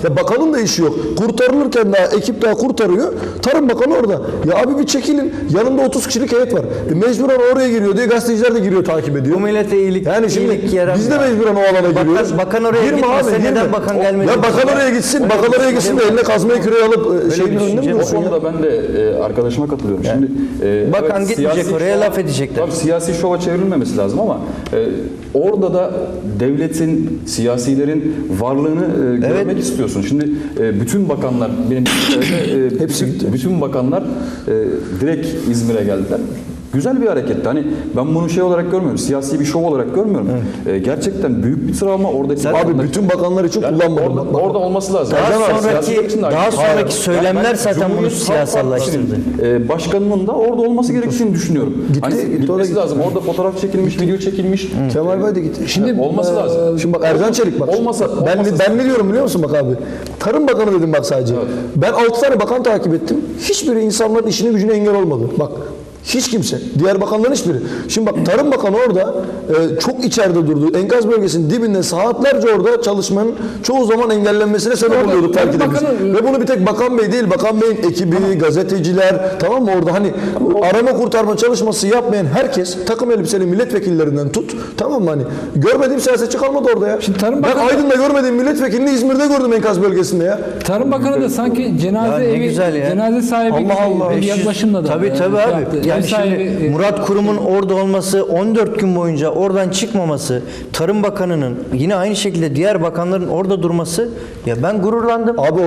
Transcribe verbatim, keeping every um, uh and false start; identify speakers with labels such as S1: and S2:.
S1: Ya bakanın da işi yok. Kurtarılırken daha ekip daha kurtarıyor. Tarım Bakanı orada. Ya abi bir çekilin. Yanında otuz kişilik heyet var. E mecburen oraya giriyor diye gazeteciler de giriyor, takip ediyor.
S2: Bu millete iyilik,
S1: yani şimdi
S2: iyilik yaramıyor.
S1: biz de mecburen o alana giriyoruz.
S2: Bakan, bakan oraya
S1: Girme
S2: gitmese
S1: abi,
S2: neden
S1: girme.
S2: bakan gelmedi?
S1: Ya bakan oraya gitsin. Bakan oraya gitsin de eline kazmayı küreği alıp e, şeyin önünde mi
S3: O
S1: dursun ya?
S3: konuda ben de e, arkadaşıma katılıyorum. Şimdi e,
S2: Bakan
S3: evet,
S2: gitmeyecek
S3: siyasi
S2: oraya,
S3: şov-
S2: laf edecekler.
S3: Tabii siyasi şova çevrilmemesi lazım ama e, orada da devletin, siyasilerin varlığını e, görmek
S2: Evet.
S3: istiyorsun. Şimdi e, bütün bakanlar benim e,
S1: Hepsi gitti.
S3: bütün bakanlar e, direkt İzmir'e geldiler. Güzel bir hareketti. Hani ben bunu şey olarak görmüyorum. Siyasi bir şov olarak görmüyorum. E, gerçekten büyük bir travma oradaki
S1: Abi
S3: bakanlar-
S1: bütün bakanlar için
S3: Yani
S1: kullanmadım.
S3: orada,
S1: Bak,
S3: orada olması lazım.
S2: Daha
S3: Ercan abi,
S2: sonraki-
S3: siyasiler için de aynı.
S2: daha sonraki
S3: Hayır.
S2: söylemler
S3: Yani ben
S2: zaten bunu
S3: Cumhuriyet Halk
S2: siyasallaştırdı.
S3: Partisi'nin, e, başkanının da orada olması gerektiğini düşünüyorum.
S1: Gitti,
S3: hani
S1: gitti,
S3: gitmesi
S1: oraya gitti.
S3: lazım. Orada fotoğraf çekilmiş, video çekilmiş.
S1: Kemal Bey de gitti.
S3: Şimdi olması lazım.
S1: Şimdi bak Ercan Çelik bak.
S3: Olmasa,
S1: ben
S3: olmasa-
S1: ben ne diyorum biliyor musun bak abi? Tarım Bakanı dedim bak sadece. Ben altı tane bakan takip ettim. Hiçbiri insanların işine gücüne engel olmadı. Bak hiç kimse. Diğer bakanların hiçbiri. Şimdi bak Tarım Bakanı orada e, çok içeride durdu. Enkaz bölgesinin dibinde saatlerce orada çalışmanın çoğu zaman engellenmesine sebep
S4: Orada
S1: oluyorduk
S4: Tarım
S1: belki de biz.
S4: Bakanı-
S1: Ve bunu bir tek Bakan Bey değil, Bakan Bey'in ekibi, gazeteciler, tamam mı orada hani arama kurtarma çalışması yapmayan herkes, takım elbiseli milletvekillerinden tut, tamam mı hani görmediğim siyasetçi kalmadı orada ya.
S4: Şimdi Tarım
S1: ben
S4: Bakanı-
S1: Aydın'da görmediğim milletvekilini İzmir'de gördüm enkaz bölgesinde ya.
S4: Tarım Bakanı da sanki cenaze
S2: Ya ne
S4: evi,
S2: güzel ya.
S4: cenaze sahibi
S1: Allah
S4: gibi
S1: Allah.
S4: bir yaklaşımla da.
S2: Tabii
S4: e,
S2: tabii
S4: şey
S2: abi.
S4: yaptı. Ev
S2: Yani
S4: sahibi,
S2: şimdi
S4: e,
S2: Murat Kurum'un orada olması, on dört gün boyunca oradan çıkmaması, Tarım Bakanı'nın yine aynı şekilde diğer bakanların orada durması, ya ben gururlandım.
S1: Abi